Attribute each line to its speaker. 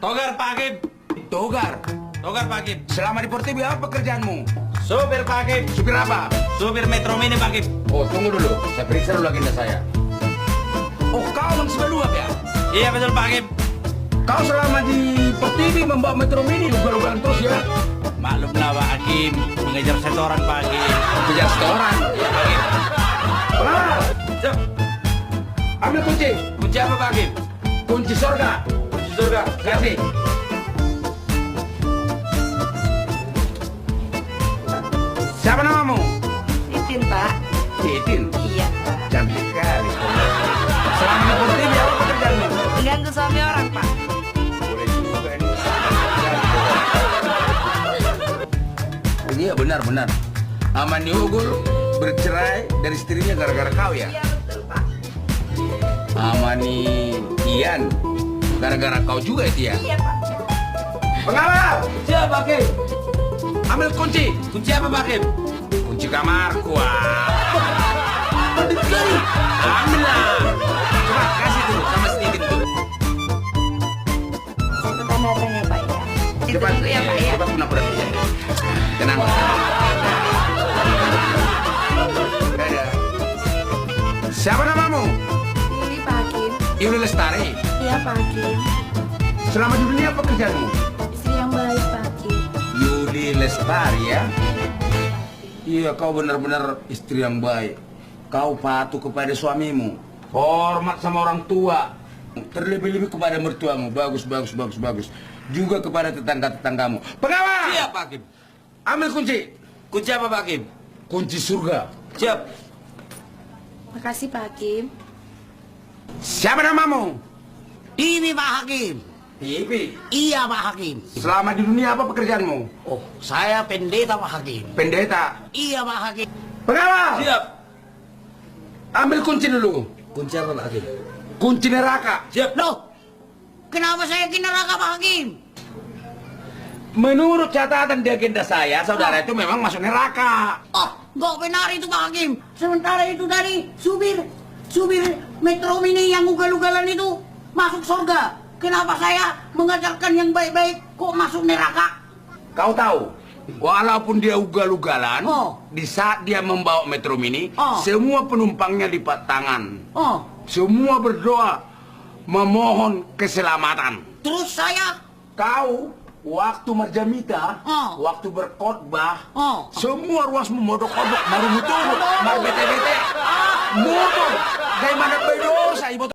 Speaker 1: Togar Pak Hakim.
Speaker 2: Togar.
Speaker 1: Togar Pak Hakim.
Speaker 2: Selama di Port TV apa pekerjaanmu?
Speaker 1: Supir Pak Hakim.
Speaker 2: Supir apa?
Speaker 1: Supir Metro Mini Pak Hakim.
Speaker 2: Oh, tunggu dulu. Saya periksa dulu agenda saya. Oh, kau manusia luap ya?
Speaker 1: Iya betul Pak Hakim.
Speaker 2: Kau selama di Port TV membawa Metro Mini ugal-ugalan terus ya?
Speaker 1: Maklumlah Pak Hakim, mengejar setoran Pak Hakim.
Speaker 2: Kejar setoran.
Speaker 1: Iya Pak Hakim.
Speaker 2: Nah,
Speaker 1: Siap.
Speaker 2: ambil kunci.
Speaker 1: Kunci apa Pak Hakim?
Speaker 2: Kunci surga.
Speaker 1: Kunci surga.
Speaker 2: Kasih. Siapa namamu?
Speaker 3: Titin, Pak.
Speaker 2: Titin.
Speaker 3: Iya, Pak.
Speaker 2: Cantik sekali. Selama di Port TV apa pekerjaanmu?
Speaker 3: Ganggu suami orang, Pak.
Speaker 2: Boleh juga ini. Iya benar-benar. Amani Ugul bercerai dari istrinya gara-gara kau ya?
Speaker 3: Iya, betul, Pak.
Speaker 2: Amani Ian gara-gara kau juga itu ya?
Speaker 3: Iya, Pak.
Speaker 2: Pengawal,
Speaker 1: Siap Pak Hakim.
Speaker 2: ambil kunci.
Speaker 1: Kunci apa Pak Hakim?
Speaker 2: Kunci kamarku. Ambil lah. Coba kasih dulu sama Steven tuh.
Speaker 3: Satu tanda tanya, Pak, ya. Itu
Speaker 2: Cepat,
Speaker 3: dulu ya, Pak, ya.
Speaker 2: cepat pura-pura saja. Tenang. Dadah. Siapa namamu?
Speaker 3: Ini, Pak Hakim.
Speaker 2: Yuli Lestari.
Speaker 3: Iya, Pak Hakim.
Speaker 2: Selama di dunia apa kerjaanmu?
Speaker 3: Istri yang baik, Pak Hakim.
Speaker 2: Yuli Lestari ya? Iya, kau benar-benar istri yang baik. Kau patuh kepada suamimu. Hormat sama orang tua. Terlebih-lebih kepada mertuamu. Bagus, bagus, bagus, bagus. Juga kepada tetangga-tetanggamu. Pengawal!
Speaker 1: Siap Pak Hakim.
Speaker 2: Ambil kunci.
Speaker 1: Kunci apa Pak Hakim?
Speaker 2: Kunci surga.
Speaker 1: Siap.
Speaker 3: Makasih, Pak Hakim.
Speaker 2: Siapa namamu?
Speaker 4: Ini Pak Hakim.
Speaker 2: Ipi.
Speaker 4: Iya Pak Hakim.
Speaker 2: Selama di dunia apa pekerjaanmu?
Speaker 4: Oh, saya pendeta Pak Hakim.
Speaker 2: Pendeta.
Speaker 4: Iya Pak Hakim.
Speaker 2: Pengawal!
Speaker 1: Siap.
Speaker 2: Ambil kunci dulu.
Speaker 1: Kunci apa Pak Hakim?
Speaker 2: Kunci neraka.
Speaker 1: Siap.
Speaker 4: Loh, kenapa saya ke neraka Pak Hakim?
Speaker 2: Menurut catatan di agenda saya, saudara itu memang masuk neraka.
Speaker 4: Oh, nggak benar itu Pak Hakim. Sementara itu dari supir Metro Mini yang ugal-ugalan itu masuk surga. Kenapa saya mengajarkan yang baik-baik kok masuk neraka?
Speaker 2: Kau tahu, walaupun dia ugal-ugalan,
Speaker 4: Oh.
Speaker 2: di saat dia membawa Metro Mini,
Speaker 4: Oh.
Speaker 2: semua penumpangnya lipat tangan.
Speaker 4: Oh,
Speaker 2: Semua berdoa, memohon keselamatan.
Speaker 4: terus saya?
Speaker 2: Kau, waktu marjamita,
Speaker 4: Oh.
Speaker 2: waktu berkhotbah,
Speaker 4: Oh.
Speaker 2: semua ruas memodok-odok, baru mutu, baru bete-bete. Mutu, gimana berdosa, ibu